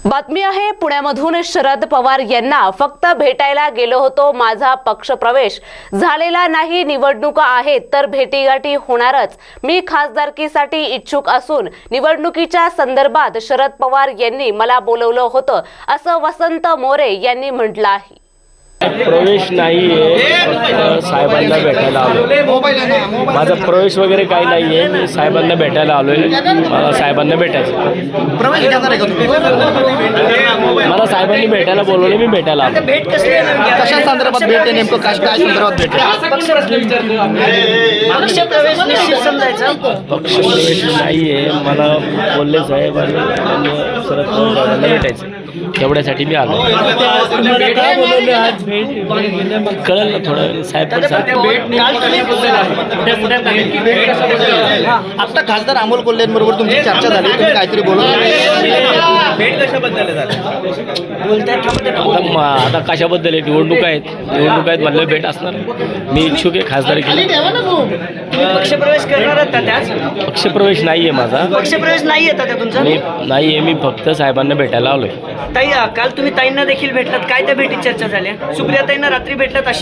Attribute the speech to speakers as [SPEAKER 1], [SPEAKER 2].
[SPEAKER 1] बातमी आहे पुण्यामधून शरद पवार यांना फक्त भेटायला गेलो होतो, माझा पक्षप्रवेश झालेला नाही, निवडणुका आहेत तर भेटीगाठी होणारच, मी खासदारकीसाठी इच्छुक असून निवडणुकीच्या संदर्भात शरद पवार यांनी मला बोलवलं होतं असं वसंत मोरे यांनी म्हटलं आहे।
[SPEAKER 2] प्रवेश नाही आहे, साहेबांना भेटायला आलो। माझा प्रवेश वगैरे काही नाही आहे, मी साहेबांना भेटायला आलोय। मला साहेबांना भेटायचं।
[SPEAKER 3] प्रवेश घेणार आहे का तुम्ही?
[SPEAKER 2] मला साहेबांनी भेटायला बोलवले, मी भेटायला आलो।
[SPEAKER 3] भेट कसली आहे? कशा संदर्भात भेट आहे? नेमकं काय संदर्भात भेट आहे? पक्ष प्रवेश निश्चित समजायचा।
[SPEAKER 2] पक्ष प्रवेश नाही आहे, मला बोलले साहेबांनी शरद पवार साहेबांना भेटायचं, तेवढ्यासाठी मी आलो। कळलं ना थोडं, साहेब पण
[SPEAKER 3] आता खासदार अमोल कोल्हेंबरोबर तुमची चर्चा झाली, तुम्ही काहीतरी बोलत
[SPEAKER 2] आता कशाबद्दल आहे? निवडणूक आहेत म्हणलं भेट असणार। मी इच्छुक आहे खासदारकीला।
[SPEAKER 4] पक्षप्रवेश करणार आहात का त्याच?
[SPEAKER 2] पक्षप्रवेश नाही आहे माझा।
[SPEAKER 4] पक्षप्रवेश नाही येतात का तुमचा?
[SPEAKER 2] नाही आहे, मी फक्त साहेबांना भेटायला आलोय।
[SPEAKER 4] ताई, काल तुम्ही ताईंना देखील भेटलात, काय त्या भेटीत चर्चा झाल्या? सुप्रियाताईंना रात्री भेटलात अशी